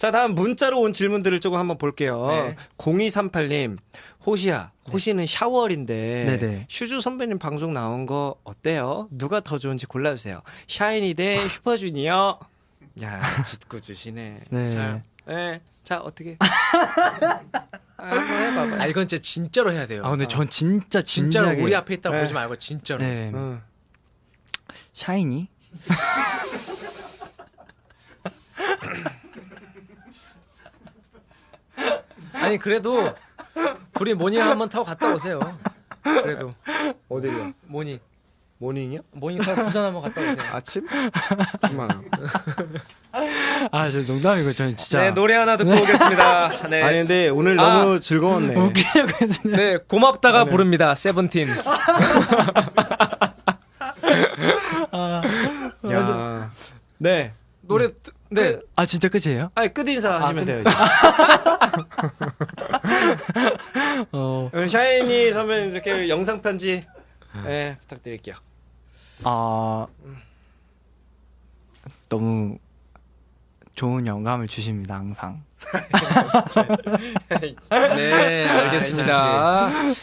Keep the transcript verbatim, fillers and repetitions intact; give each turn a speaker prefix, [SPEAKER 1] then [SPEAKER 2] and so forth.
[SPEAKER 1] 자, 다음 문자로 온 질문들을 조금 한번 볼게요.
[SPEAKER 2] 네.
[SPEAKER 1] 공이삼팔 님, 호시야. 호시는 샤워월인데
[SPEAKER 3] 네네.
[SPEAKER 1] 슈즈 선배님 방송 나온 거 어때요? 누가 더 좋은지 골라주세요. 샤이니 대 슈퍼주니어. 야, 짓고 주시네.
[SPEAKER 3] 네.
[SPEAKER 1] 자, 네. 자, 어떻게? 아, 한번 해봐봐.
[SPEAKER 2] 아 이건 진짜 진짜로 해야 돼요.
[SPEAKER 3] 아 근데 전 진짜
[SPEAKER 2] 진짜로
[SPEAKER 3] 진지하게
[SPEAKER 2] 우리 앞에 있다고
[SPEAKER 1] 네.
[SPEAKER 2] 그러지 말고 진짜로.
[SPEAKER 3] 네.
[SPEAKER 1] 응.
[SPEAKER 3] 샤이니?
[SPEAKER 2] 아니 그래도 둘이 모닝 한번 타고 갔다 오세요. 그래도
[SPEAKER 1] 어디요?
[SPEAKER 2] 모닝
[SPEAKER 1] 모닝이요?
[SPEAKER 2] 모닝 타고 부산 한번 갔다 오세요.
[SPEAKER 1] 아침? 십만 원.
[SPEAKER 3] 아 저 농담이고 저는 진짜
[SPEAKER 2] 네 노래 하나 듣고 오겠습니다. 네.
[SPEAKER 1] 아니 근데 오늘
[SPEAKER 2] 아.
[SPEAKER 1] 너무 즐거웠네.
[SPEAKER 3] 웃기려고 했는데
[SPEAKER 2] 네 고맙다가 부릅니다. 세븐틴.
[SPEAKER 1] 야. 네.
[SPEAKER 2] 노래 듣- 네.
[SPEAKER 3] 아 진짜 끝이에요?
[SPEAKER 1] 아니 끝 인사 하시면 돼요. 이제.
[SPEAKER 3] 어,
[SPEAKER 1] 그럼 샤이니 선배님 이렇게 영상 편지 네, 부탁드릴게요.
[SPEAKER 3] 아 너무 좋은 영감을 주십니다 항상.
[SPEAKER 2] 네 알겠습니다.